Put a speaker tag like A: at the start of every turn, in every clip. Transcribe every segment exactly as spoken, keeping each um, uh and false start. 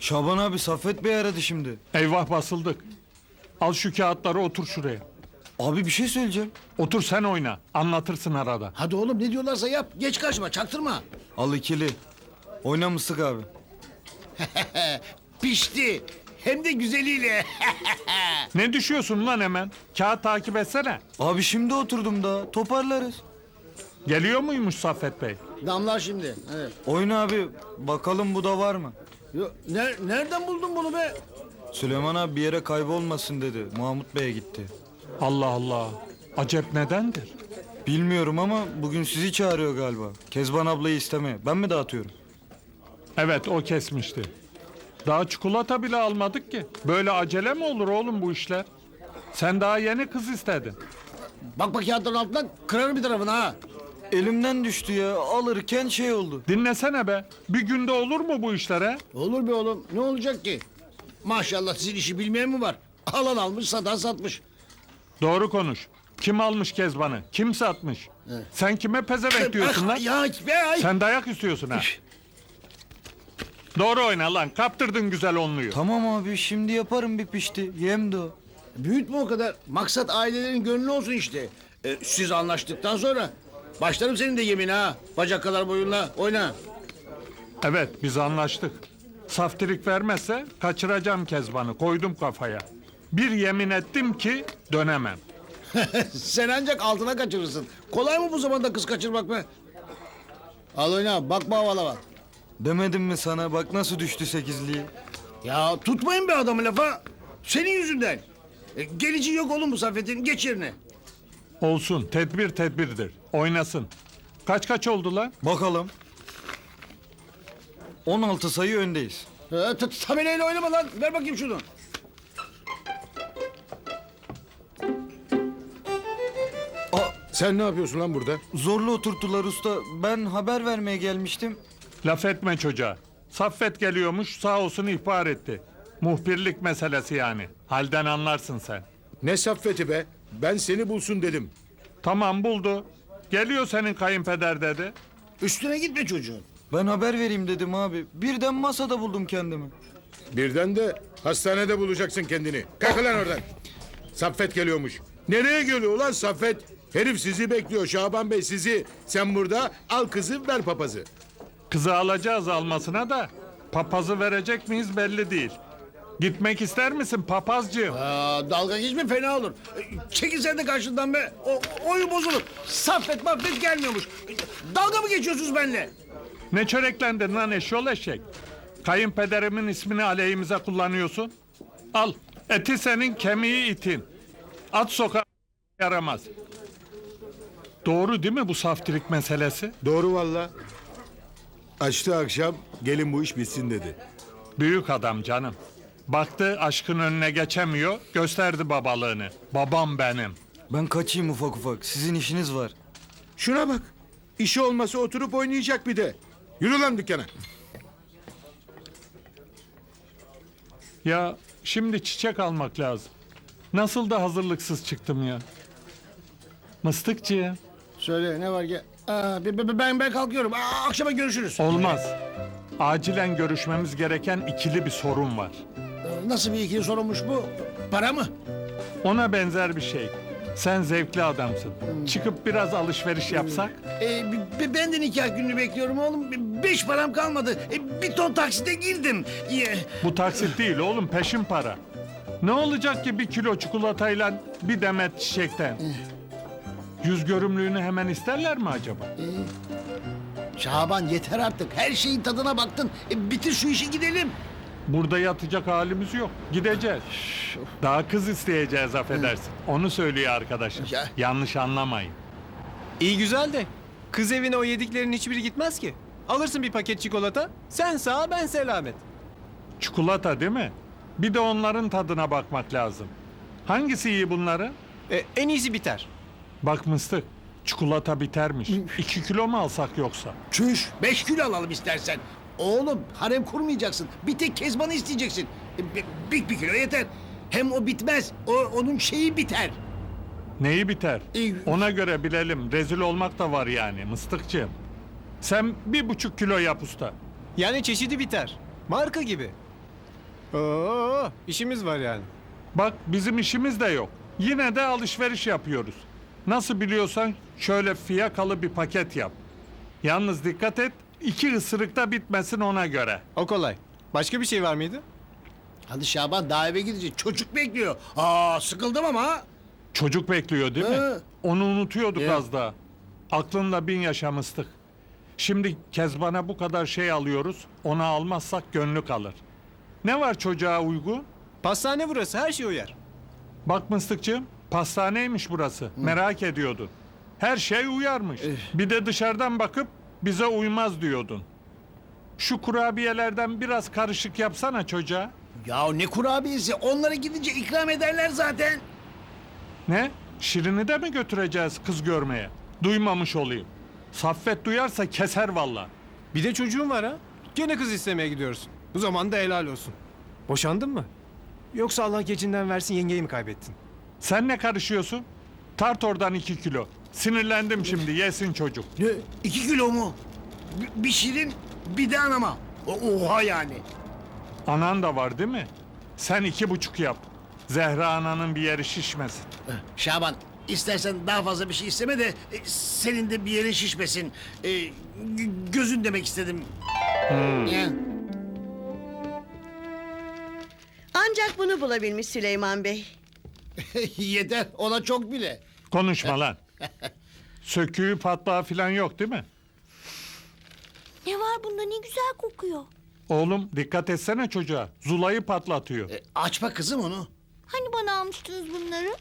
A: Şaban abi Saffet Bey aradı şimdi.
B: Eyvah basıldık. Al şu kağıtları otur şuraya.
A: Abi bir şey söyleyeceğim.
B: Otur sen oyna. Anlatırsın arada.
C: Hadi oğlum ne diyorlarsa yap. Geç kaçma çaktırma.
A: Al ikili. Oynamıştık abi.
C: Pişti. Hem de güzeliyle.
B: Ne düşüyorsun lan hemen? Kağıt takip etsene.
A: Abi şimdi oturdum da toparlarız.
B: Geliyor muymuş Saffet Bey?
C: Damlar şimdi. Evet.
A: Oyna abi bakalım bu da var mı?
C: Yo, ner- nereden buldun bunu be?
A: Süleyman abi bir yere kaybolmasın dedi. Mahmut Bey'e gitti.
B: Allah Allah. Acep nedendir?
A: Bilmiyorum ama bugün sizi çağırıyor galiba. Kezban ablayı istemeye. Ben mi dağıtıyorum?
B: Evet o kesmişti. Daha çikolata bile almadık ki. Böyle acele mi olur oğlum bu işler? Sen daha yeni kız istedin.
C: Bak bak kağıtların altından kırarım bir tarafını ha.
A: Elimden düştü ya. Alırken şey oldu.
B: Dinlesene be. Bir günde olur mu bu işler he?
C: Olur be oğlum. Ne olacak ki? Maşallah sizin işi bilmeyen mi var? Alan almış satan satmış.
B: Doğru konuş. Kim almış Kezban'ı? Kim satmış? Sen kime pezevenk diyorsun lan?
C: Ya, be, ay.
B: Sen dayak istiyorsun ha. Doğru oyna lan. Kaptırdın güzel onluyu.
A: Tamam abi şimdi yaparım bir pişti. Yem de o.
C: Büyütme o kadar. Maksat ailelerin gönlü olsun işte. Ee, siz anlaştıktan sonra başlarım senin de yemin ha. Bacak kadar boyunla oyna.
B: Evet biz anlaştık. Saftirik vermezse kaçıracağım Kezban'ı. Koydum kafaya. Bir yemin ettim ki dönemem.
C: Sen ancak altına kaçırırsın. Kolay mı bu zamanda kız kaçırmak be? Al oyna bakma havalara.
A: Demedim mi sana bak nasıl düştü sekizliği.
C: Ya tutmayın be adamı lafa. Senin yüzünden. E, geleceği yok oğlum bu Saffet'in. Geç yerine.
B: Olsun tedbir tedbirdir. Oynasın. Kaç kaç oldu lan?
A: Bakalım. on altı sayı öndeyiz.
C: Ha, t- tabelayla oynama lan. Ver bakayım şunu.
D: Sen ne yapıyorsun lan burada?
A: Zorla oturttular usta. Ben haber vermeye gelmiştim.
B: Laf etme çocuğa. Saffet geliyormuş sağ olsun ihbar etti. Muhbirlik meselesi yani. Halden anlarsın sen.
D: Ne saffeti be? Ben seni bulsun dedim.
B: Tamam buldu. Geliyor senin kayınpeder dedi.
C: Üstüne gitme çocuğun.
A: Ben haber vereyim dedim abi. Birden masada buldum kendimi.
D: Birden de hastanede bulacaksın kendini. Kalk lan oradan. Saffet geliyormuş. Nereye geliyor lan Saffet? Herif sizi bekliyor Şaban Bey sizi. Sen burada al kızı ver papazı.
B: Kızı alacağız almasına da papazı verecek miyiz belli değil. Gitmek ister misin papazcığım?
C: Aa, dalga geçme fena olur. E, Çekil sen de karşından be. O, oyun bozulur. Saffet maffet gelmiyormuş. E, Dalga mı geçiyorsunuz benimle?
B: Ne çöreklendin lan eşyol eşek? Kayınpederimin ismini aleyhimize kullanıyorsun. Al eti senin kemiği itin. At sokağa yaramaz. Doğru değil mi bu saftirik meselesi?
D: Doğru valla. Açtı akşam gelin bu iş bitsin dedi.
B: Büyük adam canım. Baktı aşkın önüne geçemiyor, gösterdi babalığını. Babam benim.
A: Ben kaçayım ufak ufak. Sizin işiniz var.
D: Şuna bak. İşi olmasa oturup oynayacak bir de. Yürü lan dükkana.
B: Ya şimdi çiçek almak lazım. Nasıl da hazırlıksız çıktım ya. Mıstıkçı.
C: Söyle ne var ki? Aa, be- be- ben ben kalkıyorum. Aa, akşama görüşürüz.
B: Olmaz. Acilen görüşmemiz gereken ikili bir sorun var.
C: Ee, Nasıl bir ikili sorunmuş bu? Para mı?
B: Ona benzer bir şey. Sen zevkli adamsın. Çıkıp biraz alışveriş yapsak?
C: Ee, b- b- ben de nikah gününü bekliyorum oğlum. Be- Beş param kalmadı. E, bir ton taksite girdim. Ye-
B: Bu taksit değil oğlum peşin para. Ne olacak ki bir kilo çikolatayla bir demet çiçekten? Yüz görümlüğünü hemen isterler mi acaba?
C: Şaban yeter artık. Her şeyin tadına baktın. E, bitir şu işi gidelim.
B: Burada yatacak halimiz yok. Gideceğiz. Daha kız isteyeceğiz affedersin. Onu söylüyor arkadaşım.
C: Ya.
B: Yanlış anlamayın.
E: İyi güzel de kız evine o yediklerin hiçbiri gitmez ki. Alırsın bir paket çikolata, sen sağ ben selamet.
B: Çikolata değil mi? Bir de onların tadına bakmak lazım. Hangisi iyi bunların?
E: E, en iyisi biter.
B: Bak mıstık, çikolata bitermiş. İki kilo mu alsak yoksa?
C: Çüş. Beş kilo alalım istersen. Oğlum harem kurmayacaksın. Bir tek Kezban'ı isteyeceksin. E, bi- bir, bir kilo yeter. Hem o bitmez. O, onun şeyi biter.
B: Neyi biter?
C: İyi.
B: Ona göre bilelim. Rezil olmak da var yani mıstıkçığım. Sen bir buçuk kilo yap usta.
E: Yani çeşidi biter. Marka gibi. Oo, işimiz var yani.
B: Bak bizim işimiz de yok. Yine de alışveriş yapıyoruz. Nasıl biliyorsan şöyle fiyakalı bir paket yap. Yalnız dikkat et, iki ısırıkta bitmesin ona göre.
E: O kolay. Başka bir şey var mıydı?
C: Hadi Şaban daha eve gidecek. Çocuk bekliyor. Aa sıkıldım ama. ha.
B: Çocuk bekliyor değil mi?
C: He.
B: Onu unutuyorduk
C: Ya.
B: az daha. Aklınla bin yaşamıştık. Şimdi Kezban'a bu kadar şey alıyoruz. Ona almazsak gönlü kalır. Ne var çocuğa uygun?
E: Pastane burası, her şey uyar.
B: Bak Mıstıkçığım, pastaneymiş burası. Merak ediyordun. Her şey uyarmış. Bir de dışarıdan bakıp bize uymaz diyordun. Şu kurabiyelerden biraz karışık yapsana çocuğa.
C: Ya ne kurabiyesi? Onlara gidince ikram ederler zaten.
B: Ne? Şirin'i de mi götüreceğiz kız görmeye? Duymamış olayım. Saffet duyarsa keser valla.
E: Bir de çocuğun var ha. Gene kız istemeye gidiyoruz. Bu zaman da helal olsun. Boşandın mı? Yoksa Allah gecinden versin yengeyi mi kaybettin?
B: Sen ne karışıyorsun? Tart oradan iki kilo. Sinirlendim şimdi, yesin çocuk.
C: Ne? İki kilo mu? Bir, bir şirin bir de anama. O- Oha yani.
B: Anan da var değil mi? Sen iki buçuk yap. Zehra ananın bir yeri şişmesin.
C: Şaban istersen daha fazla bir şey isteme de e, senin de bir yerin şişmesin. E, gö- gözün demek istedim. Ya.
F: Ancak bunu bulabilmiş Süleyman Bey.
C: Yeter ona çok bile.
B: Konuşma lan. Söküğü patlağı falan yok değil mi?
G: Ne var bunda, ne güzel kokuyor.
B: Oğlum dikkat etsene çocuğa. Zulayı patlatıyor.
C: E, açma kızım onu.
G: Hani bana almıştınız bunları?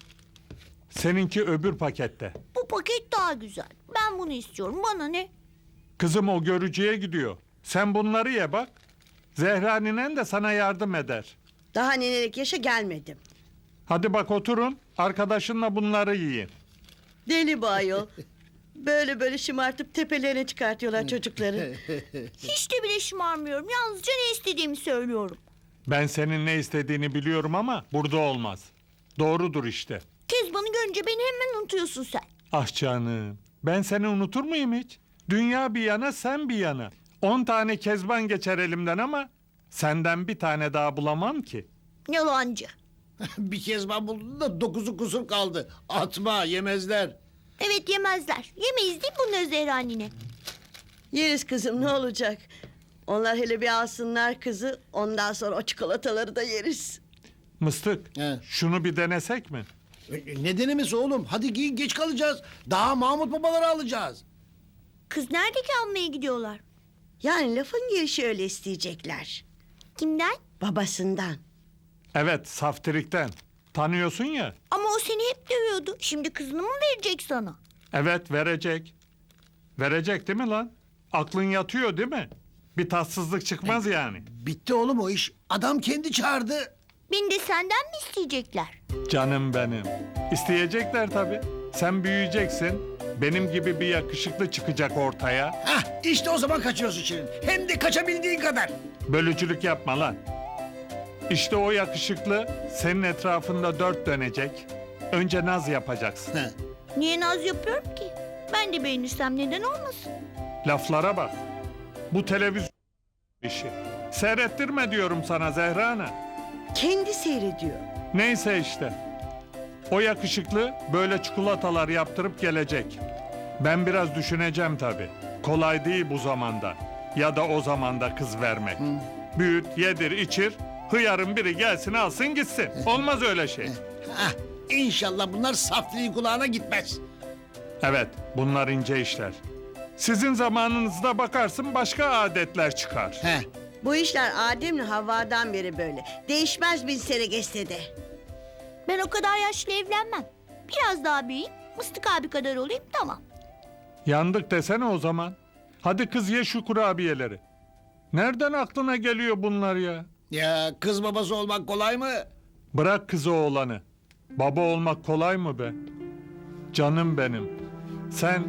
B: Seninki öbür pakette.
G: Bu paket daha güzel. Ben bunu istiyorum, bana ne?
B: Kızım o görücüye gidiyor. Sen bunları ye bak. Zehra ninen de sana yardım eder.
F: Daha nenelik yaşa gelmedim.
B: Hadi bak oturun. Arkadaşınla bunları yiyin.
F: Deli bu ayol. Böyle böyle şımartıp tepelerine çıkartıyorlar çocukları.
G: Hiç de bile şımarmıyorum. Yalnızca ne istediğimi söylüyorum.
B: Ben senin ne istediğini biliyorum ama burada olmaz. Doğrudur işte.
G: Kezban'ı görünce beni hemen unutuyorsun sen.
B: Ah canım. Ben seni unutur muyum hiç? Dünya bir yana sen bir yana. On tane kezban geçer elimden ama senden bir tane daha bulamam ki.
G: Yalancı.
C: Bir kez ben buldum da dokuzu kusur kaldı. Atma yemezler.
G: Evet, yemezler. Yemeyiz değil mi bunları Zehra nine?
F: Yeriz kızım ne olacak? Onlar hele bir alsınlar kızı. Ondan sonra o çikolataları da yeriz.
B: Mıstık,
C: He.
B: şunu bir denesek mi?
C: E, Ne denemesi oğlum? Hadi giyin geç kalacağız. Daha Mahmut babaları alacağız.
G: Kız nerede ki almaya gidiyorlar?
F: Yani lafın gelişi öyle isteyecekler.
G: Kimden?
F: Babasından.
B: Evet, saftirikten. Tanıyorsun ya.
G: Ama o seni hep dövüyordu. Şimdi kızını mı verecek sana?
B: Evet, verecek. Verecek değil mi lan? Aklın yatıyor değil mi? Bir tatsızlık çıkmaz yani.
C: Bitti oğlum o iş. Adam kendi çağırdı.
G: Beni de senden mi isteyecekler?
B: Canım benim. İsteyecekler tabii. Sen büyüyeceksin. Benim gibi bir yakışıklı çıkacak ortaya.
C: Hah işte o zaman kaçıyorsun Şirin. Hem de kaçabildiğin kadar.
B: Bölücülük yapma lan. İşte o yakışıklı senin etrafında dört dönecek. Önce naz yapacaksın.
C: Heh.
G: Niye naz yapıyorum ki? Ben de beğenirsem neden olmasın?
B: Laflara bak. Bu televizyon işi. Seyrettirme diyorum sana Zehra Ana.
F: Kendi seyrediyor.
B: Neyse işte. O yakışıklı böyle çikolatalar yaptırıp gelecek. Ben biraz düşüneceğim tabii. Kolay değil bu zamanda. Ya da o zamanda kız vermek. Büyüt, yedir, içir. Hıyarın biri gelsin alsın gitsin. Olmaz öyle şey.
C: Hah inşallah bunlar safliğin kulağına gitmez.
B: Evet, bunlar ince işler. Sizin zamanınızda bakarsın başka adetler çıkar.
C: Heh.
F: Bu işler Adem'le Havva'dan beri böyle. Değişmez bin sene geçse de.
G: Ben o kadar yaşlı evlenmem. Biraz daha büyüyeyim, Mıstık abi kadar olayım, tamam.
B: Yandık desene o zaman. Hadi kız ye şu kurabiyeleri. Nereden aklına geliyor bunlar ya?
C: Ya kız babası olmak kolay mı?
B: Bırak kızı oğlanı. Baba olmak kolay mı be? Canım benim. Sen...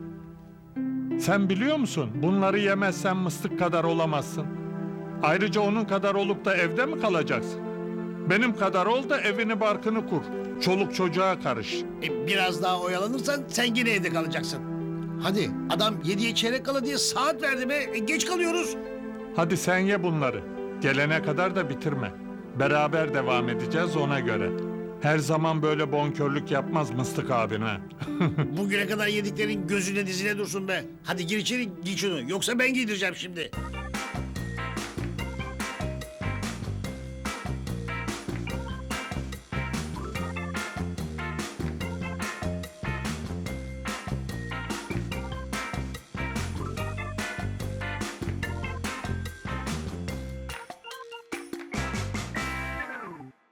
B: Sen biliyor musun? Bunları yemezsen mıstık kadar olamazsın. Ayrıca onun kadar olup da evde mi kalacaksın? Benim kadar ol da evini barkını kur. Çoluk çocuğa karış.
C: E, biraz daha oyalanırsan sen yine evde kalacaksın. Hadi adam yediye çeyrek kala diye saat verdi be. E, geç kalıyoruz.
B: Hadi sen ye bunları. Gelene kadar da bitirme. Beraber devam edeceğiz ona göre. Her zaman böyle bonkörlük yapmaz Mıstık abin ha.
C: Bugüne kadar yediklerin gözüne dizine dursun be. Hadi gir içeri giy şunu. Yoksa ben giydireceğim şimdi.